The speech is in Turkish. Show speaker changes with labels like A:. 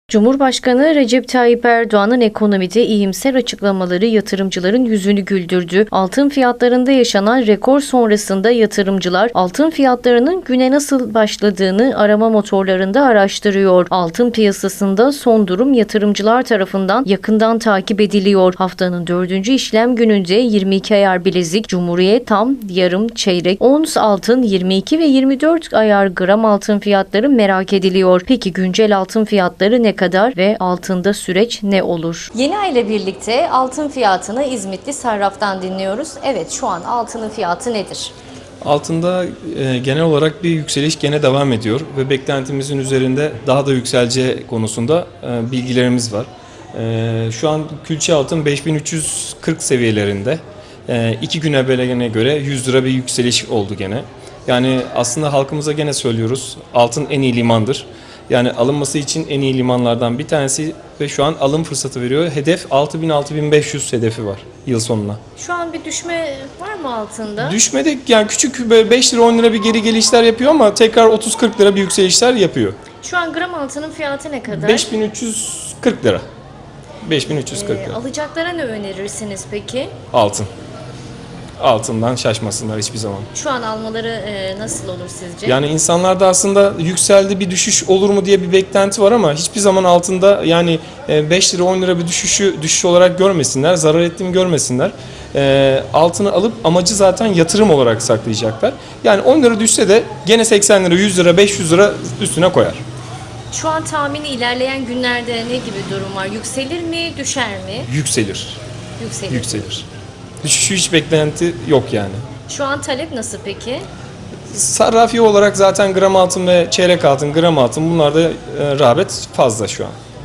A: Cumhurbaşkanı Recep Tayyip Erdoğan'ın ekonomide iyimser açıklamaları yatırımcıların yüzünü güldürdü. Altın fiyatlarında yaşanan rekor sonrasında yatırımcılar altın fiyatlarının güne nasıl başladığını arama motorlarında araştırıyor. Altın piyasasında son durum yatırımcılar tarafından yakından takip ediliyor. Haftanın 4. işlem gününde 22 ayar bilezik, Cumhuriyet tam, yarım, çeyrek, ons altın, 22 ve 24 ayar gram altın fiyatları merak ediliyor. Peki güncel altın fiyatları ne kadar ve altında süreç ne olur? Yeni ay ile birlikte altın fiyatını İzmitli Sarraf'tan dinliyoruz. Evet, şu an altının fiyatı nedir?
B: Altında genel olarak bir yükseliş gene devam ediyor ve beklentimizin üzerinde daha da yükseleceği konusunda bilgilerimiz var. Şu an külçe altın 5340 seviyelerinde. 2 gün evveline göre 100 lira bir yükseliş oldu gene. Yani aslında halkımıza gene söylüyoruz, altın en iyi limandır. Yani alınması için en iyi limanlardan bir tanesi ve şu an alım fırsatı veriyor. Hedef 6000-6500 hedefi var yıl sonuna.
A: Şu an bir düşme var mı altında?
B: Düşmedi, yani küçük böyle 5 lira 10 lira bir geri gelişler yapıyor ama tekrar 30-40 lira bir yükselişler yapıyor.
A: Şu an gram altının fiyatı ne kadar?
B: 5340 lira. 5340 lira.
A: Alacaklara ne önerirsiniz peki?
B: Altın. Altından şaşmasınlar hiçbir zaman.
A: Şu an almaları nasıl olur sizce?
B: Yani insanlarda aslında yükseldi bir düşüş olur mu diye bir beklenti var ama hiçbir zaman altında yani 5 lira 10 lira bir düşüş olarak görmesinler, zarar ettiğini görmesinler. Altını alıp amacı zaten yatırım olarak saklayacaklar. Yani 10 lira düşse de gene 80 lira, 100 lira, 500 lira üstüne koyar.
A: Şu an tahmini ilerleyen günlerde ne gibi durum var? Yükselir mi, düşer mi?
B: Yükselir.
A: Yükselir.
B: Yükselir. Düşüşü hiç beklenti yok yani.
A: Şu an talep nasıl peki?
B: Sarrafi olarak zaten gram altın ve çeyrek altın, gram altın bunlarda rağbet fazla şu an.